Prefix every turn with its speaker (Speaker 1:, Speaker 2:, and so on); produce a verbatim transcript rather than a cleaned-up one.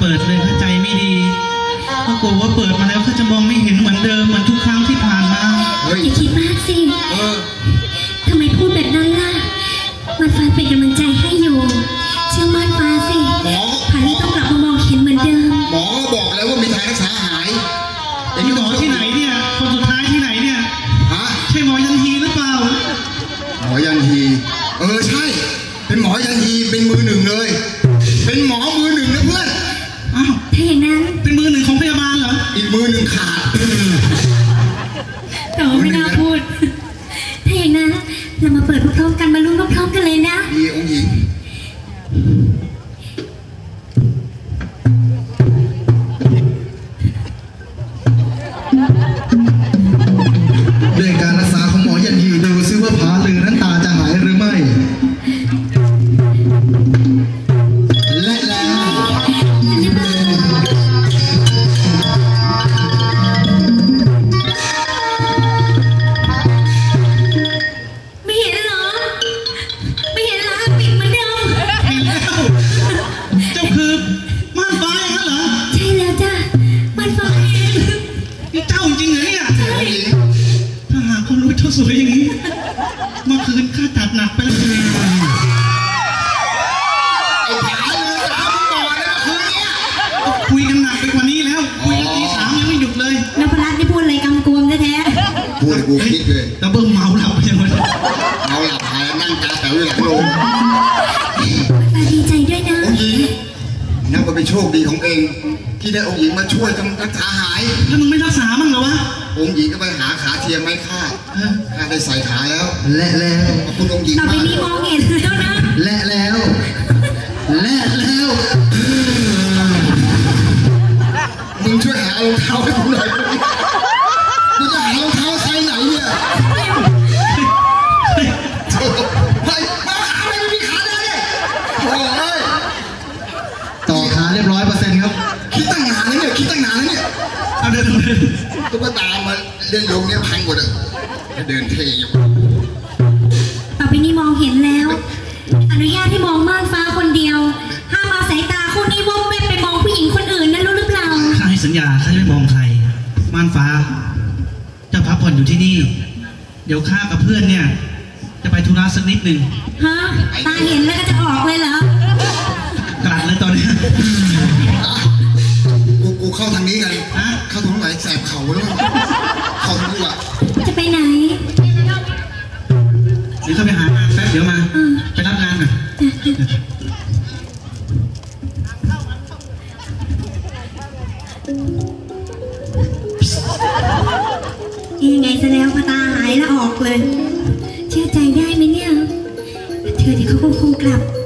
Speaker 1: ปิดเลยถ้าใจไม่ดีก็กลัวว่าเปิดมาแล้วเขาจะมองไม่เห็นเหมือนเดิมเหมือนทุกครั้งที่ผ่านมา
Speaker 2: อย่าคิดมากสิทำไมพูดแบบนั้นล่ะมันฟ้าเป็นกำลังใจให้อยู่เชื่อมั่นฟ้าสิผ่านนี้ต้องกลับมามองเห็นเหมือนเดิม
Speaker 3: หมอก็บอกแล้วว่ามีทางรักษาหาย
Speaker 1: แต่หมอที่ไหนเนี่ยคนสุดท้ายที่ไหนเนี่ย
Speaker 3: ฮะ
Speaker 1: ใช่หมอยันฮีหรือเปล่า
Speaker 3: หมอยันฮีเออใช่เป็นหมอยันฮีเป็นมือหนึ่งเลยเป็นหมอมือหนึ่งนะเพื่อน
Speaker 1: อ้าว
Speaker 2: ถ้าอย่างนั้น
Speaker 1: เป็นมือหนึ่งของพยาบาลเหรอ
Speaker 3: อีกมือหนึ่งขาด
Speaker 2: แต่ไม่น่าพูดถ้าอย่างนั้นเรามาเปิดพร้อมกันมาลุ้นพร้อมกันเลยนะ
Speaker 3: ดีองค์หญิงด้วยการรักษาของหมอยันฮีดูซิว่าผาลือนั้นตาจะหายหรือไม่และแล้ว
Speaker 2: ไม่เห็นเหรอไม่เห็นเหรอปิดเหมือนเดิม
Speaker 1: เห็นแล้วเจ้าคือม่านฟ้าอย่างนั้นเหรอ
Speaker 2: ใช่แล้วจ้ะม่านฟ้าเอง
Speaker 1: นี่เจ้าจริงเหรอเนี่ยถ้าหากเขารู้เจ้าสวยอย่างนี้เมื่อคืนข้าจัดหนักไปแล้วคุยกันหนักไปกว่านี้แล้วคุยกันตีสามยังไม่หยุดเลย
Speaker 2: นพรัตน์นี่พูดอะไรกำกวมแท้
Speaker 3: ๆพูดกูคิดเลย
Speaker 1: แล้วเบิ้มเมาหลับยังไง
Speaker 3: เมาหลับหายนั่งตาแถวอยู่หลังโรง
Speaker 2: ดีใจด้วยนะ
Speaker 3: องค์หญิงนับว่าเป็นโชคดีของเองที่ได้องค์หญิงมาช่วยทำรักษาหาย
Speaker 1: แล้วมึงไม่รักษามั่งเหรอวะ
Speaker 3: องค์หญิงก็ไปหาขาเทียมไม้ค่าข้าได้ใส่ขาแล้วและแล้วขอบคุณองค์หญิง
Speaker 2: ต่อไปนี้มองเห็นแล้วนะ
Speaker 3: และแล้วและแล้วมึงช่วยหารองเท้าให้ผมหน่อยกูจะหารองเท้าไซส์ไหนเนี่ยไปมาขาไม่มีขาเลยโอ้ยต่อขาเรียบร้อยเปอร์เซ็นต์ครับคิดตั้งนานแล้วเนี่ยคิดตั้งนานแล้วเนี่ย
Speaker 1: เอาเดินเดิน
Speaker 3: ตุ๊กตามาเล่นลงเนี่ยพังหมดอ่ะเดินเท่อยู่
Speaker 2: ต่อไปนี้มองเห็นแล้วอนุญาตให้มองม่านฟ้าคนเดียวห้ามเอาสายตาคู่นี้วงเว้นไปมองผู้หญิงคนอื่นนะรู้หรือเปล่า
Speaker 1: ข้าให้สัญญาข้าจะไม่มองใครม่านฟ้าเจ้าพักผ่อนอยู่ที่นี่เดี๋ยวข้ากับเพื่อนเนี่ยจะไปธุระสักนิดหนึ่ง
Speaker 2: ฮะตาเห็นแล้วก็จะออกเลยเหรอก
Speaker 1: ลัดเลยตอนนี้
Speaker 3: กูกูเข้าทางนี้กันฮะเข้าตรงไหนแสบเข่าแล้วเข้าทางนี้ว่ะ
Speaker 2: จะไปไหน
Speaker 1: เดี๋ยวเข้าไปหางานแป๊บเดี๋ยวมาไปรับงานหน่อย
Speaker 2: ยังไงซะแล้วพอตาหายแล้วออกเลยเชื่อใจได้ไหมเนี่ยเธอเดี๋ยวเขาคงกลับ